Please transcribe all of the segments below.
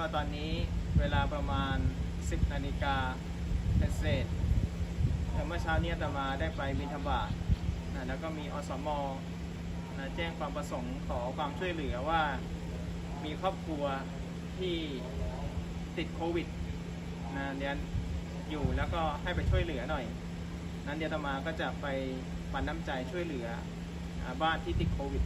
ตอนนี้เวลาประมาณ 10 นาฬิกาเศษเมื่อเช้านี้อาตมาได้ไปบิณฑบาตแล้วก็มีอสมแจ้งความประสงค์ขอความช่วยเหลือว่ามีครอบครัวที่ติดโควิดเดี๋ยวอยู่แล้วก็ให้ไปช่วยเหลือหน่อยนั้นเดี๋ยวอาตมาก็จะไปปันน้ำใจช่วยเหลือบ้านที่ติดโควิด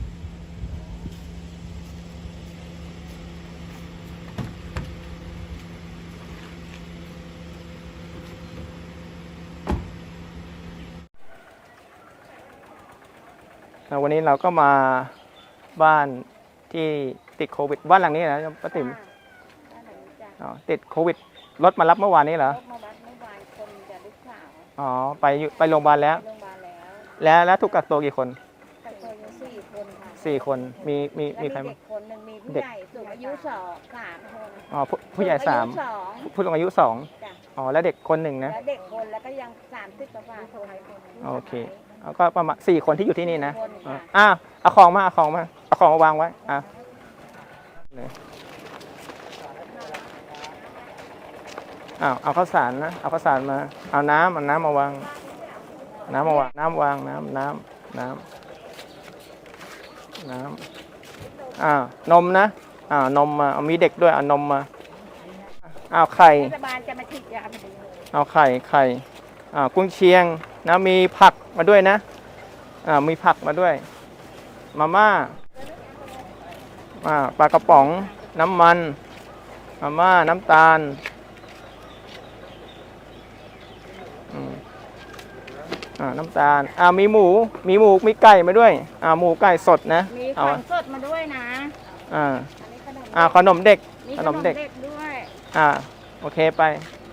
วันนี้เราก็มาบ้านที่ติดโควิดบ้านหลังนี้นะป้าติ๋มติดโควิดรถมารับเมื่อวานนี้เหรอรถมารับเมื่อวานคนจะลูกสาวอ๋อไปโรงพยาบาลแล้วแล้วถูกกักตัวกี่คนกักตัวอยู่4 คนค่ะ 4 คนมีใครเด็กคนหนึ่งมีผู้ใหญ่สูงอายุ3 คนอ๋อผู้ใหญ่3ผู้สูงอายุ2อ๋อแล้วเด็กคน1นะแล้วเด็กคนแล้วก็ยัง30 กว่าคนโอเคก็ประมาณ4 คนที่อยู่ที่นี่นะเอาของมาวางไว้เอาข้าวสารนะเอาข้าวสารมาเอาน้ำมาวางน้ำนมนะนมมาเอามีเด็กด้วยเอานมมาเอาไข่รัฐบาลจะมาฉีดยาพอดีเอาไข่กุ้งเชียงนะมีผักมาด้วยนะมีผักมาด้วยมาม่าปลากระป๋องน้ำมันมาม่าน้ำตาลน้ำตาลมีหมูมีไก่มาด้วยหมูไก่สดนะมีของสดมาด้วยนะขนมเด็กด้วยโอเคไป